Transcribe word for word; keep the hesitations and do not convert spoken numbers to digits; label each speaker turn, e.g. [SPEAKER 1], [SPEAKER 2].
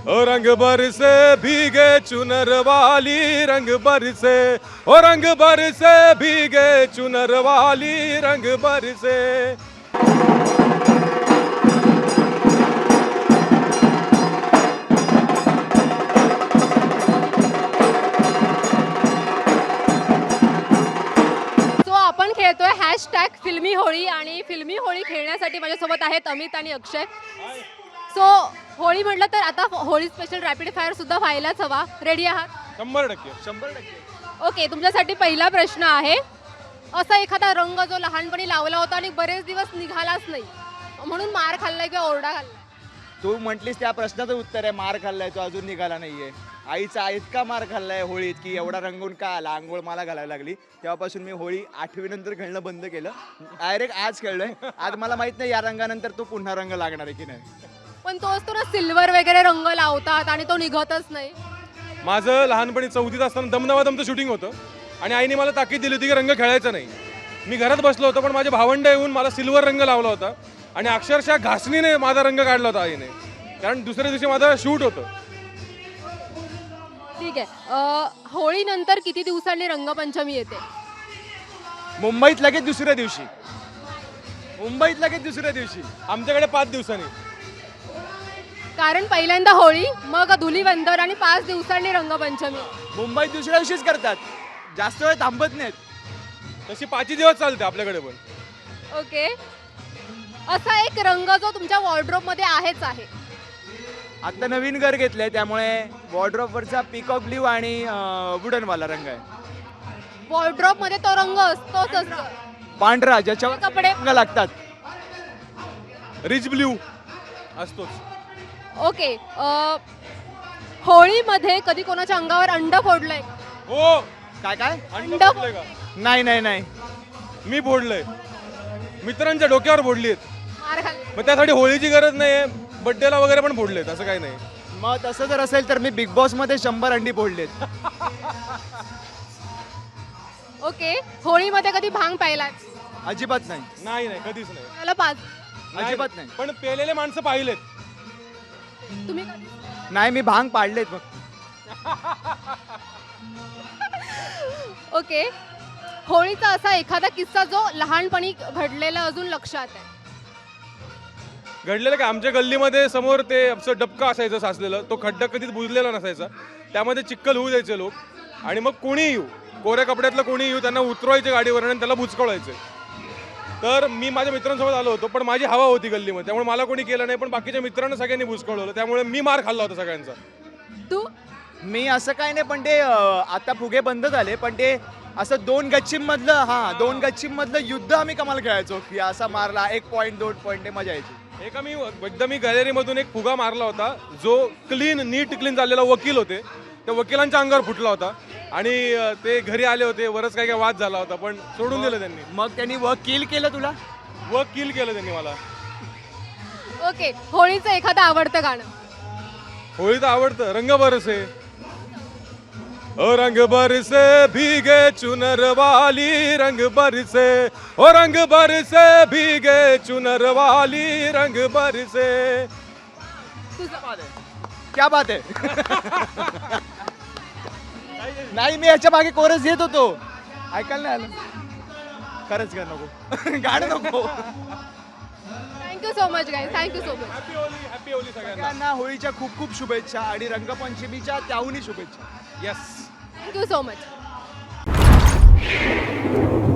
[SPEAKER 1] ओ रंग बरसे भीगे चुनर वाली रंग बरसे, ओ रंग बरसे भीगे चुनर वाली रंग बरसे.
[SPEAKER 2] सो आपण खेळतोय हॅशटॅग फिल्मी होळी आणि फिल्मी होळी खेळण्यासाठी माझ्यासोबत आहेत अमित आणि अक्षय. सो होळी म्हटलं तर आता होळी स्पेशल रॅपिड फायर सुद्धा व्हायलाच हवा. रेडी आहात?
[SPEAKER 1] शंभर टक्के.
[SPEAKER 3] शंभर टक्के.
[SPEAKER 2] ओके, तुमच्यासाठी पहिला प्रश्न आहे. असा एखादा रंग जो लहानपणी लावला होता आणि बरेच दिवस निघालाच नाही, म्हणून मार खाल्लाय किंवा ओरडा खाल्लाय?
[SPEAKER 3] तू म्हटलीस त्या प्रश्नाचं उत्तर आहे, मार खाल्लाय तो अजून निघाला नाहीये. आईचा इतका मार खाल्लाय होळीत की एवढा रंगून का आला, आंघोळ मला घालायला लागली. तेव्हापासून मी होळी आठवी नंतर खेळणं बंद केलं. डायरेक्ट आज खेळलोय. आज मला माहित नाही या रंगानंतर तो पुन्हा रंग लागणार आहे की नाही.
[SPEAKER 2] पण तो असतो ना सिल्वर वगैरे रंग लावतात आणि तो निघतच नाही.
[SPEAKER 1] माझं लहानपणी चौथीत असताना दमदमादमचं शूटिंग होतं आणि आईने मला ताकीद दिली होती की रंग खेळायचा नाही. मी घरात बसलो होतो, पण माझे भावंड येऊन मला सिल्वर रंग लावला होता आणि अक्षरशः घासणीने माझा रंग काढला होता आईने, कारण दुसऱ्या दिवशी माझं शूट होतं.
[SPEAKER 2] ठीक आहे. अ, होळीनंतर किती दिवसांनी रंगपंचमी येते?
[SPEAKER 3] मुंबईत लगेच दुसऱ्या दिवशी. मुंबईत लगेच दुसऱ्या दिवशी.
[SPEAKER 1] आमच्याकडे पाच दिवसांनी.
[SPEAKER 2] कारण पहिल्यांदा होळी, मग धुलीवंदन आणि पाच दिवसांनी रंगपंचमी.
[SPEAKER 3] मुंबईत दुसऱ्या दिवशीच करतात, जास्त वेळ थांबत नाहीत.
[SPEAKER 1] तशी पाचही दिवस चालते आपल्याकडे पण.
[SPEAKER 2] ओके. असा एक रंग जो तुमच्या वॉर्डरोब मध्ये आहेच आहे.
[SPEAKER 3] आता नवीन घर घेतलंय त्यामुळे वॉर्डरोबवरचा पिकॉक ब्ल्यू आणि वुडन वाला रंग आहे.
[SPEAKER 2] वॉर्डरोब मध्ये तो रंग असतोच असतो.
[SPEAKER 3] पांढरा ज्याच्यावर
[SPEAKER 2] कपडे
[SPEAKER 3] रंग लागतात.
[SPEAKER 1] रिच ब्ल्यू असतोच.
[SPEAKER 2] ओके. अ, होळीमध्ये कधी कोणाच्या अंगावर अंड फोडलंय?
[SPEAKER 1] हो.
[SPEAKER 3] काय काय
[SPEAKER 1] अंड
[SPEAKER 2] अंड-
[SPEAKER 1] फोडलंय का?
[SPEAKER 3] नाही नाही नाही.
[SPEAKER 1] मी फोडलंय. मित्रांच्या डोक्यावर फोडलीत.
[SPEAKER 2] मार खाल्ला?
[SPEAKER 1] मग त्यासाठी होळीची गरज नाही, बड्डेला वगैरे पण फोडलेत, असं काही नाही.
[SPEAKER 3] मग तसं जर असेल तर मी बिग बॉस मध्ये शंभर अंडी फोडलेत.
[SPEAKER 2] ओके. होळीमध्ये कधी भांग पाहिलाय?
[SPEAKER 3] अजिबात नाही.
[SPEAKER 1] नाही नाही, कधीच नाही.
[SPEAKER 2] त्याला पाच.
[SPEAKER 3] अजिबात नाही.
[SPEAKER 1] पण पेलेले माणसं पाहिलेत.
[SPEAKER 2] तुम्ही कधी?
[SPEAKER 3] नाही मी भांग पाडलेत मग.
[SPEAKER 2] ओके. होळीचा असा एखादा किस्सा जो लहानपणी घडलेला अजून लक्षात आहे?
[SPEAKER 1] घडलेलं काय, आमच्या गल्लीमध्ये समोर ते असं डबका असायचं साचलेलं, तो खड्डा कधीच बुजलेला नसायचा. त्यामध्ये चिक्कल होऊ द्यायचे लोक आणि मग कोणी येऊ, कोऱ्या कपड्यातलं कोणी येऊ, त्यांना उतरवायचे गाडीवर आणि त्याला बुचकळायचे. तर मी माझ्या मित्रांसोबत आलो होतो, पण माझी हवा होती गल्लीमध्ये, त्यामुळे मला कोणी केलं नाही, पण बाकीच्या मित्रांना सगळ्यांनी बुचकळवलं, त्यामुळे मी मार खाल्ला होता सगळ्यांचा.
[SPEAKER 2] तू?
[SPEAKER 3] मी असं काय नाही, पण ते अं, आता फुगे बंद झाले, पण ते असं दोन गच्चीम मधलं हा दोन गच्चीम मधलं युद्ध आम्ही कमाल खेळायचो की असा मारला एक पॉईंट दोन पॉईंट मजा यायची.
[SPEAKER 1] एका मी एकदा मी गॅलरीमधून एक फुगा मारला होता, जो क्लीन नीट क्लीन झालेला वकील होते, त्या वकिलांच्या अंगावर फुटला होता आणि अं, ते घरी आले होते, वरच काय काय वाद झाला होता, पण सोडून दिलं त्यांनी.
[SPEAKER 3] मग त्यांनी व किल केलं तुला?
[SPEAKER 1] व किल केलं त्यांनी मला.
[SPEAKER 2] ओके. होळीचं एखादं आवडतं गाणं?
[SPEAKER 1] होळी तर आवडतं. रंग बरसे, ओ रंग बरसे भीगे चुनर वाली रंग बरसे, ओ रंग बरसे भीगे चुनर वाली रंग बरसे.
[SPEAKER 3] क्या बात आहे. नाही मी याच्या मागे कोरस येत होतो, ऐकायला नाही आलं. खरंच का नको गाणं नको.
[SPEAKER 2] Thank you so much guys, thank you so much.
[SPEAKER 1] Happy Holi, happy Holi सगळ्यांना.
[SPEAKER 3] सगळ्यांना होळीच्या खूप खूप शुभेच्छा आणि रंगपंचमीच्या त्याहूनही शुभेच्छा.
[SPEAKER 1] येस.
[SPEAKER 2] Thank you so much.